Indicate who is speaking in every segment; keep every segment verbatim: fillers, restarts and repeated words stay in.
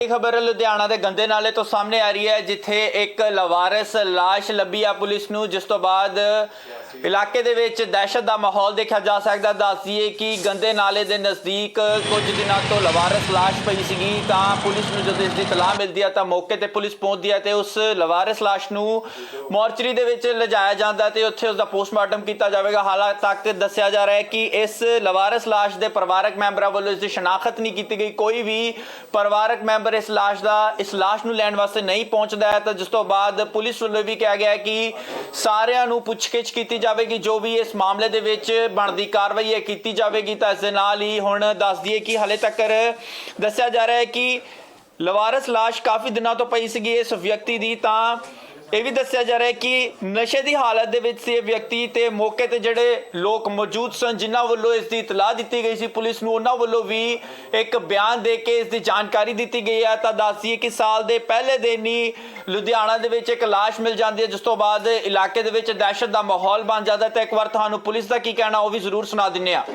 Speaker 1: खबर लुधियाना के गंदे नाले तो सामने आ रही है जिथे एक लवारिस लाश लभी है पुलिस नूं, जिस तो बाद इलाके दे विच दहशत का माहौल देखा जा सकता। दस दईए कि गंदे नाले के नज़दीक कुछ दिनों तो लवारिस लाश पई सीगी, तां पुलिस नूं जदों इसकी इतलाह मिलती है तो मौके पर पुलिस पहुंचती है तो उस लवारिस लाश नूं मोर्चरी दे विच लिजाया जाता है तो उत्थे उसका पोस्टमार्टम किया जाएगा। हाल तक दस्सिया जा रहा है कि इस लवारिस लाश के परिवारक मैंबरों वालों इसकी शनाख्त नहीं की गई। कोई भी परिवारक मैंबर इस लाश का इस लाश नूं लैण वास्ते नहीं पहुंचता है तो जिस तो बाद पुलिस वालों भी कहा गया कि सारिਆਂ ਨੂੰ पुछगिछ की जाएगी, जो भी इस मामले दे विच बनदी कार्रवाई है की जाएगी। तो इस दे नाल ही हुण दस दईए कि हाले तक दस्सिया जा रहा है कि लवारिस लाश काफ़ी दिनों तो पई सीगी इस व्यक्ति की। तां ਇਹ ਵੀ ਦੱਸਿਆ ਜਾ ਰਿਹਾ ਹੈ ਕਿ ਨਸ਼ੇ ਦੀ ਹਾਲਤ ਦੇ ਵਿੱਚ ਸੀ ਇਹ ਵਿਅਕਤੀ ਤੇ ਮੌਕੇ ਤੇ ਜਿਹੜੇ ਲੋਕ ਮੌਜੂਦ ਸਨ ਜਿਨ੍ਹਾਂ ਵੱਲੋਂ ਇਸ ਦੀ ਇਤਲਾਹ ਦਿੱਤੀ ਗਈ ਸੀ ਪੁਲਿਸ ਨੂੰ, ਉਹਨਾਂ ਵੱਲੋਂ ਵੀ ਇੱਕ ਬਿਆਨ ਦੇ ਕੇ ਇਸ ਦੀ ਜਾਣਕਾਰੀ ਦਿੱਤੀ ਗਈ ਹੈ। ਤਾਂ ਦੱਸੀਏ ਕਿ ਸਾਲ ਦੇ ਪਹਿਲੇ ਦਿਨ ਹੀ ਲੁਧਿਆਣਾ ਦੇ ਵਿੱਚ ਇੱਕ ਲਾਸ਼ ਮਿਲ ਜਾਂਦੀ ਹੈ, ਜਿਸ ਤੋਂ ਬਾਅਦ ਇਲਾਕੇ ਦੇ ਵਿੱਚ ਦਹਿਸ਼ਤ ਦਾ ਮਾਹੌਲ ਬਣ ਜਾਂਦਾ। ਤਾਂ ਇੱਕ ਵਾਰ ਤੁਹਾਨੂੰ ਪੁਲਿਸ ਦਾ ਕੀ ਕਹਿਣਾ ਉਹ ਵੀ ਜ਼ਰੂਰ ਸੁਣਾ ਦਿੰਨੇ ਆ।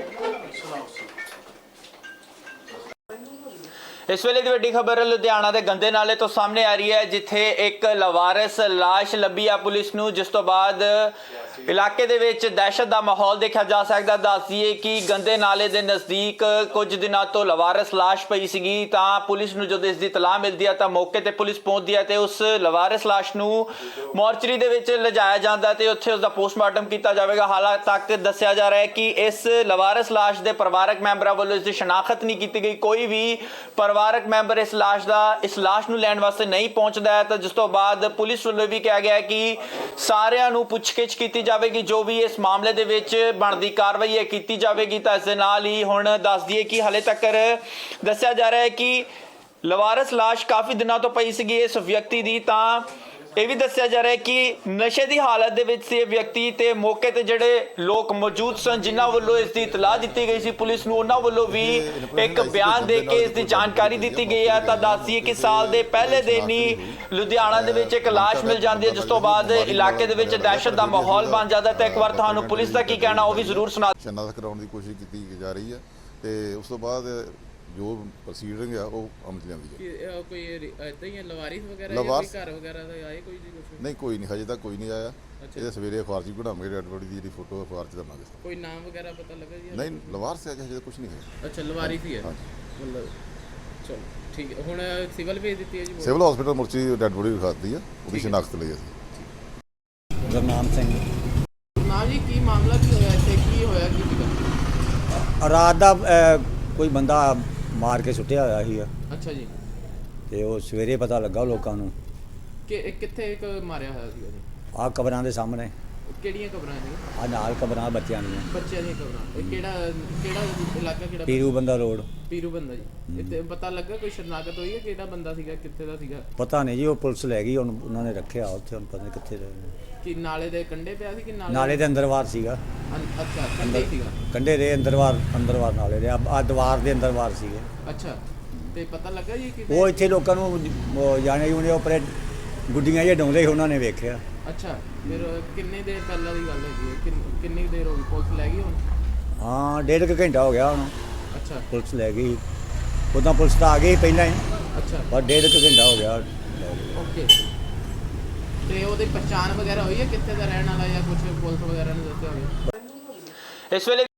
Speaker 1: इस वेले की वड्डी खबर लुधियाना के गंदे नाले तो सामने आ रही है जिथे एक लवारिस लाश लभी है पुलिस नूं, जिस तो बाद इलाके दे विच दहशत का माहौल देखा जा सकता। दस दईए कि गंदे नाले के नज़दीक कुछ दिनों तो लवारिस लाश पई सीगी, तां पुलिस नूं जदों इसकी इतलाह मिलती है तो मौके पर पुलिस पहुंचती है तो उस लवारिस लाश नूं मोर्चरी दे विच लिजाया जाता है तो उत्थे उसका पोस्टमार्टम किया जाएगा। हाल तक दस्सिया जा रहा है कि इस लवारिस लाश के परिवारक मैंबरों वालों इसकी शनाख्त नहीं की गई। कोई भी परिवारक मैंबर इस लाश का इस लाश नूं लैण वास्ते नहीं पहुंचता है तो जिस तो बाद पुलिस वालों भी कहा गया कि सारिਆਂ ਨੂੰ पुछगिछ की जाएगी, जो भी इस मामले दे विच बनदी कार्रवाई है की जाएगी। तो इस दे नाल ही हुण दस दईए कि हाले तक दस्सिया जा रहा है कि लवारिस लाश काफ़ी दिनों तो पई सीगी इस व्यक्ति की। तां ਇਹ ਵੀ ਦੱਸਿਆ ਜਾ ਰਿਹਾ ਹੈ ਕਿ ਨਸ਼ੇ ਦੀ ਹਾਲਤ ਦੇ ਵਿੱਚ ਸੀ ਇਹ ਵਿਅਕਤੀ ਤੇ ਮੌਕੇ ਤੇ ਜਿਹੜੇ ਲੋਕ ਮੌਜੂਦ ਸਨ ਜਿਨ੍ਹਾਂ ਵੱਲੋਂ ਇਸ ਦੀ ਇਤਲਾਹ ਦਿੱਤੀ ਗਈ ਸੀ ਪੁਲਿਸ ਨੂੰ, ਉਹਨਾਂ ਵੱਲੋਂ ਵੀ ਇੱਕ ਬਿਆਨ ਦੇ ਕੇ ਇਸ ਦੀ ਜਾਣਕਾਰੀ ਦਿੱਤੀ ਗਈ ਹੈ। ਤਾਂ ਦੱਸੀਏ ਕਿ ਸਾਲ ਦੇ ਪਹਿਲੇ ਦਿਨ ਹੀ ਲੁਧਿਆਣਾ ਦੇ ਵਿੱਚ ਇੱਕ ਲਾਸ਼ ਮਿਲ ਜਾਂਦੀ ਹੈ, ਜਿਸ ਤੋਂ ਬਾਅਦ ਇਲਾਕੇ ਦੇ ਵਿੱਚ ਦਹਿਸ਼ਤ ਦਾ ਮਾਹੌਲ ਬਣ ਜਾਂਦਾ। ਤਾਂ ਇੱਕ ਵਾਰ ਤੁਹਾਨੂੰ ਪੁਲਿਸ ਦਾ ਕੀ ਕਹਿਣਾ ਉਹ ਵੀ ਜ਼ਰੂਰ ਸੁਣਾ।
Speaker 2: ਸ਼ਨਾਖਤ ਕਰਾਉਣ ਦੀ ਕੋਸ਼ਿਸ਼ ਕੀਤੀ ਜਾ ਰਹੀ ਹੈ ਤੇ ਉਸ ਤੋਂ ਬਾਅਦ ਜੋ ਪ੍ਰੋਸੀਡਿੰਗ ਆ ਉਹ ਅਮਲ ਚ ਲਿਆਂਦੀ ਹੈ।
Speaker 3: ਕੋਈ ਇਦਾਂ ਹੀ ਲਵਾਰਿਸ ਵਗੈਰਾ ਜਾਂ
Speaker 2: ਲਵਾਰਿਸ
Speaker 3: ਕੋਈ ਘਰ ਵਗੈਰਾ ਦਾ ਆਏ ਕੋਈ ਜੀ ਕੁਛ?
Speaker 2: ਨਹੀਂ, ਕੋਈ ਨਹੀਂ, ਹਜੇ ਤੱਕ ਕੋਈ ਨਹੀਂ ਆਇਆ। ਇਹ ਸਵੇਰੇ ਅਖਬਾਰ 'ਚ ਕਢਾਵਾਂਗੇ, ਡੈਡ ਬੋਡੀ ਦੀ ਜਿਹੜੀ ਫੋਟੋ ਅਖਬਾਰ 'ਚ ਦਵਾਂਗੇ।
Speaker 3: ਕੋਈ ਨਾਮ ਵਗੈਰਾ ਪਤਾ ਲੱਗਾ ਜੀ?
Speaker 2: ਨਹੀਂ, ਲਵਾਰਿਸ ਹੈ, ਹਜੇ ਕੁਝ ਨਹੀਂ ਹੈ।
Speaker 3: ਅੱਛਾ, ਲਵਾਰਿਸ ਹੀ ਹੈ ਮਤਲਬ। ਚਲੋ ਠੀਕ ਹੈ, ਹੁਣ ਸਿਵਲ ਭੇਜ ਦਿੱਤੀ ਹੈ ਜੀ?
Speaker 2: ਸਿਵਲ ਹਸਪੀਟਲ ਮੁਰਚੀ ਡੈਡ ਬੋਡੀ ਵਿਖਾਤੀ ਆ, ਉਹਦੀ ਸ਼ਨਾਖਤ ਲਈ ਅਸੀਂ।
Speaker 4: ਗੁਰਨਾਮ ਸਿੰਘ
Speaker 3: ਨਾ ਜੀ, ਕੀ ਮਾਮਲਾ ਕੀ ਹੋਇਆ ਇੱਥੇ, ਕੀ ਹੋਇਆ ਕੀ ਸੀਗਾ?
Speaker 4: ਰਾਤ ਦਾ ਅਹ, ਕੋਈ ਬੰਦਾ ਮਾਰ ਕੇ ਸੁੱਟਿਆ ਹੋਇਆ ਸੀ।
Speaker 3: ਅੱਛਾ ਜੀ,
Speaker 4: ਤੇ ਉਹ ਸਵੇਰੇ ਪਤਾ ਲੱਗਾ ਲੋਕਾਂ ਨੂੰ
Speaker 3: ਕਿ ਕਿੱਥੇ ਇੱਕ ਮਾਰਿਆ ਹੋਇਆ ਸੀਗਾ ਜੀ?
Speaker 4: ਆਹ ਕਬਰਾਂ ਦੇ ਸਾਹਮਣੇ।
Speaker 3: ਕਿਹੜੀਆਂ ਕਬਰਾਂ ਸੀ?
Speaker 4: ਆਹ ਨਾਲ ਕਬਰਾਂ ਬੱਚਿਆਂ ਦੀਆਂ।
Speaker 3: ਬੱਚਿਆਂ ਦੀਆਂ ਕਬਰਾਂ। ਇਹ ਕਿਹੜਾ ਕਿਹੜਾ ਇਲਾਕਾ ਕਿਹੜਾ?
Speaker 4: ਪੀਰੂ ਬੰਦਾ ਰੋਡ।
Speaker 3: ਪੀਰੂ ਬੰਦਾ ਜੀ। ਇੱਥੇ ਪਤਾ ਲੱਗਾ ਕੋਈ ਸ਼ਨਾਖਤ ਹੋਈ ਹੈ ਕਿਹੜਾ ਬੰਦਾ ਸੀਗਾ, ਕਿੱਥੇ ਦਾ ਸੀਗਾ?
Speaker 4: ਪਤਾ ਨਹੀਂ ਜੀ, ਉਹ ਪੁਲਿਸ ਲੈ ਗਈ, ਹੁਣ ਉਹਨਾਂ ਨੇ ਰੱਖਿਆ ਉੱਥੇ, ਹੁਣ ਪਤਾ ਨਹੀਂ ਕਿੱਥੇ ਰਹਿ।
Speaker 3: ਕਿ ਨਾਲੇ ਦੇ ਕੰਢੇ ਪਿਆ ਸੀ ਕਿ ਨਾਲੇ
Speaker 4: ਨਾਲੇ ਦੇ ਅੰਦਰਵਾਰ ਸੀਗਾ।
Speaker 3: ਅੱਛਾ, ਕੰਢੇ ਸੀਗਾ।
Speaker 4: ਕੰਢੇ ਦੇ ਅੰਦਰਵਾਰ ਅੰਦਰਵਾਰ ਨਾਲੇ ਦੇ ਆ ਦੀਵਾਰ ਦੇ ਅੰਦਰਵਾਰ ਸੀਗੇ।
Speaker 3: ਅੱਛਾ, ਤੇ ਪਤਾ ਲੱਗਾ ਜੀ ਕਿ
Speaker 4: ਉਹ ਇੱਥੇ ਲੋਕਾਂ ਨੂੰ ਉਹ ਜਾਣੇ ਉਹਨੇ ਉੱਪਰੇ ਗੁੱਡੀਆਂ ਜਿਹੀਆਂ ਡਾਉਂਦੇ ਸੀ, ਉਹਨਾਂ ਨੇ ਵੇਖਿਆ।
Speaker 3: ਅੱਛਾ, ਫਿਰ ਕਿੰਨੇ ਦੇਰ ਪਹਿਲਾਂ ਦੀ ਗੱਲ ਹੈਗੀ ਹੈ? ਕਿੰਨ- ਕਿੰਨੀ ਦੇਰ ਹੋ ਗਈ ਪੁਲਿਸ ਲੈ ਗਈ ਹੁਣ?
Speaker 4: ਹਾਂ, ਡੇਢ ਕੁ ਘੰਟਾ ਹੋ ਗਿਆ ਹੁਣ
Speaker 3: ਅੱਛਾ
Speaker 4: ਪੁਲਿਸ ਲੈ ਗਈ। ਉੱਦਾਂ ਪੁਲਿਸ ਤਾਂ ਆ ਗਈ ਸੀ ਪਹਿਲਾਂ ਹੀ,
Speaker 3: ਅੱਛਾ,
Speaker 4: ਪਰ ਡੇਢ ਕੁ ਘੰਟਾ ਹੋ ਗਿਆ।
Speaker 3: ਓਕੇ। ਤੇ ਉਹਦੀ ਪਛਾਣ ਵਗੈਰਾ ਹੋਈ ਹੈ ਕਿੱਥੇ ਦਾ ਰਹਿਣ ਵਾਲਾ ਜਾਂ ਕੁਝ ਪੁਲਿਸ ਵਗੈਰਾ ਨੇ ਦੱਸਿਆ ਹੋਵੇ?
Speaker 1: ਇਸ ਵੇਲੇ